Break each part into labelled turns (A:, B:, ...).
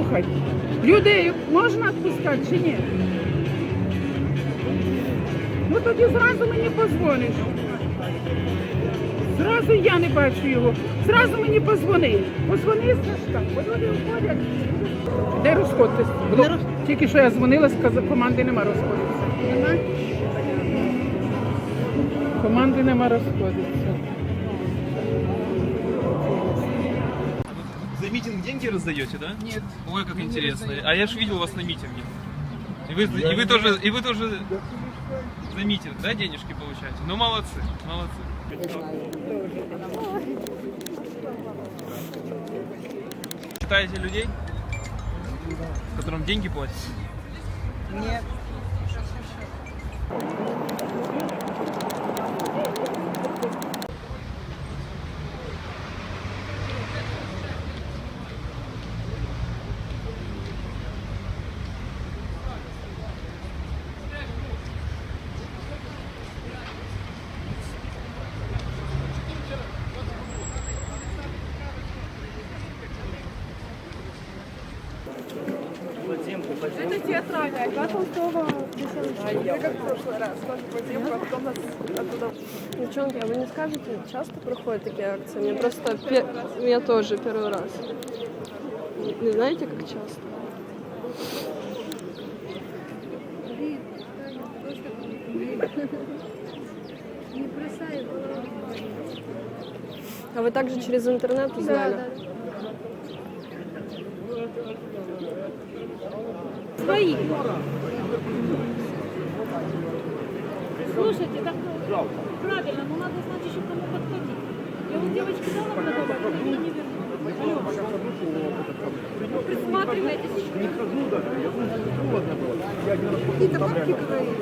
A: слухай, людей можна відпускати чи ні? Ну тоді зразу мені позвониш. Зразу я не бачу його. Зразу мені позвони. Позвони, Сашка, бо люди входять. Де розходитись? Тільки що я дзвонила, сказала, команди нема розходитися.
B: Нема?
A: Команди нема розходитися.
C: За митинг деньги раздаете, да?
A: Нет.
C: Ой, как
A: не
C: интересно.
A: раздаю.
C: А я ж видел вас на митинге. И вы тоже за митинг, да, денежки получаете? Ну, молодцы, молодцы. Считаете людей, которым деньги платят?
B: Нет.
D: Это театральная, как Толстого. Я как в прошлый раз, тоже подземку, а потом нас оттуда.
E: Девчонки, а вы не скажете, часто проходят такие акции? Мне просто, я тоже первый раз. Не знаете, как часто? А вы также через интернет узнали?
D: Свои. Слушайте, так правильно, но надо знать еще кому подходить. Я вот девочке дала продавать, она меня не вернула. Присматривайтесь.
B: Какие-то бабки говорили.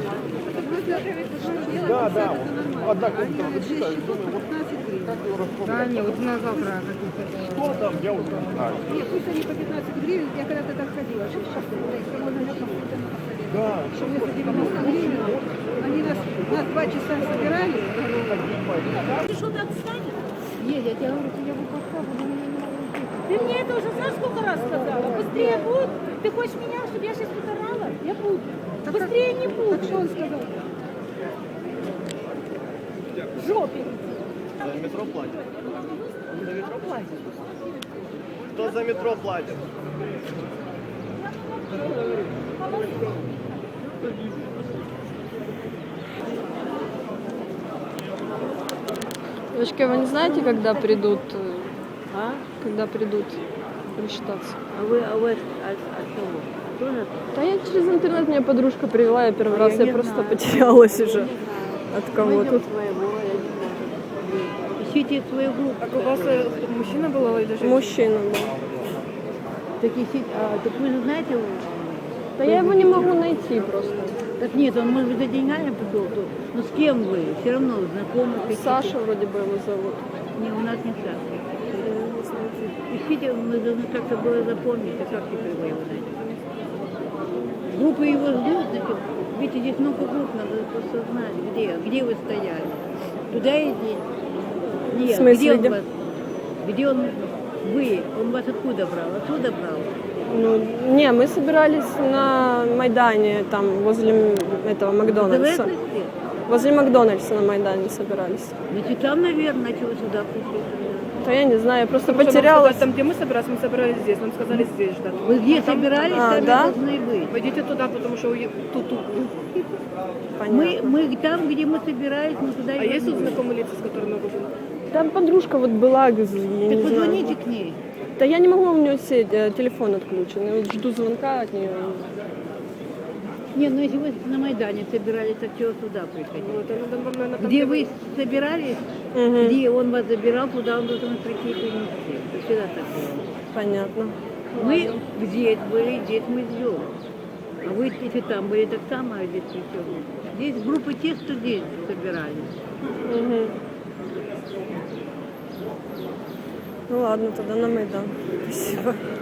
B: Да, да. Одна комната. 6 счетов по 15 гривен.
F: Да, не, вот на завтра какие-то.
B: Что там, я уже знаю.
F: Нет, пусть они по 15 гривен, я когда-то так ходила, 6 часов, кому на
B: Да.
F: что мы за 90 гривен, они нас 2 часа собирали.
D: Ты что-то отстанешь?
F: Нет, я тебе говорю, я выпадка, но меня не могу
D: Ты мне это уже знаешь сколько раз сказала? Быстрее будь. Ты хочешь меня, чтобы я сейчас тут орала? Я буду. Быстрее не буду.
F: Так что он сказал?
D: В жопе.
G: За метро платят. За метро платят. Кто за метро платит?
E: Девочки, вы не знаете, когда придут? Когда придут рассчитаться?
H: А вы от кого? Тоже?
E: Да я через интернет, меня подружка привела, я первый раз, я просто потерялась уже от кого-то.
H: Своего, я не знаю. Ищите свою группу.
F: Так у вас мужчина был или женщина?
E: Мужчина, да.
H: Так ищите, так вы же знаете его?
E: Да я его не могу найти просто.
H: Так нет, он может быть за деньгами пришел тут. Но с кем вы? Все равно знакомы.
E: Саша вроде бы его зовут.
H: Не, у нас не Саша. Ищите, мы должны как-то было запомнить, а как теперь вы его найдете? Группы его ждут, значит, видите, здесь много групп, надо просто знать, где вы стояли. Туда идите? Нет,
E: В смысле,
H: где он вас? Где он, он вас откуда брал? Оттуда брал?
E: Ну, не, мы собирались на Майдане, там, возле этого Макдональдса.
H: ДВС?
E: Возле Макдональдса на Майдане собирались.
H: Значит, там, наверное, чего сюда пришли.
E: Да я не знаю, я просто
F: Потому что нам
E: потерялась.
F: сказали, там, где мы собирались здесь. Нам сказали здесь ждать.
H: Вы где собирались, там и
E: да?
H: должны быть.
F: Пойдите туда, потому что тут.
E: Понятно.
H: Мы там, где мы собирались, мы туда
F: А
H: и
F: есть тут
H: вернулись.
F: знакомые лица, с которыми вы были?
E: Там подружка вот была, я не
H: Так
E: знаю.
H: позвоните к ней.
E: Да я не могу, у нее сеть, телефон отключен. Я вот жду звонка от нее.
H: Нет, ну если вы на Майдане собирались, так чего сюда приходили?
F: Вот, это надо вам, наверное, там,
H: Где вы собирались,
E: Мгм.
H: где он вас забирал, туда он должен прийти и принести. Это всегда так было.
E: Понятно.
H: Мы здесь были, здесь мы ждем. А вы, если там были, так само, а здесь при чем? Здесь группы тех, что здесь собирались.
E: Мгм. Ну ладно, тогда на Майдан. Спасибо.